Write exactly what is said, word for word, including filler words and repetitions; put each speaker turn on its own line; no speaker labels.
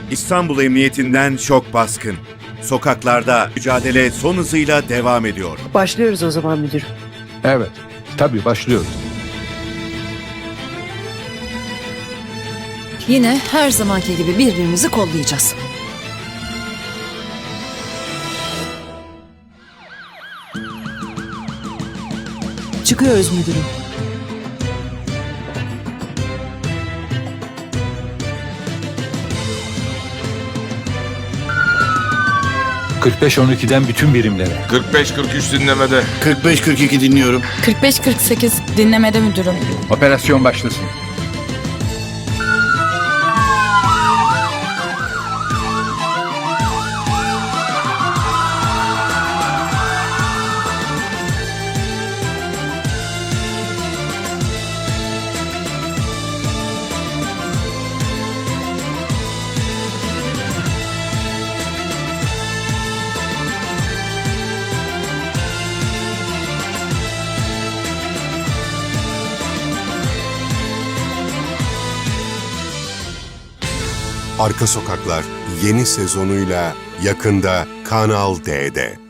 İstanbul Emniyetinden şok baskın. Sokaklarda mücadele son hızıyla devam ediyor.
Başlıyoruz o zaman müdürüm.
Evet, tabii başlıyoruz.
Yine her zamanki gibi birbirimizi kollayacağız.
Çıkıyoruz müdürüm.
kırk beş on ikiden bütün birimlere.
kırk beş kırk üç dinlemede.
kırk beş kırk iki dinliyorum.
kırk beş kırk sekiz dinlemede müdürüm.
Operasyon başlasın.
Arka Sokaklar yeni sezonuyla yakında Kanal D'de.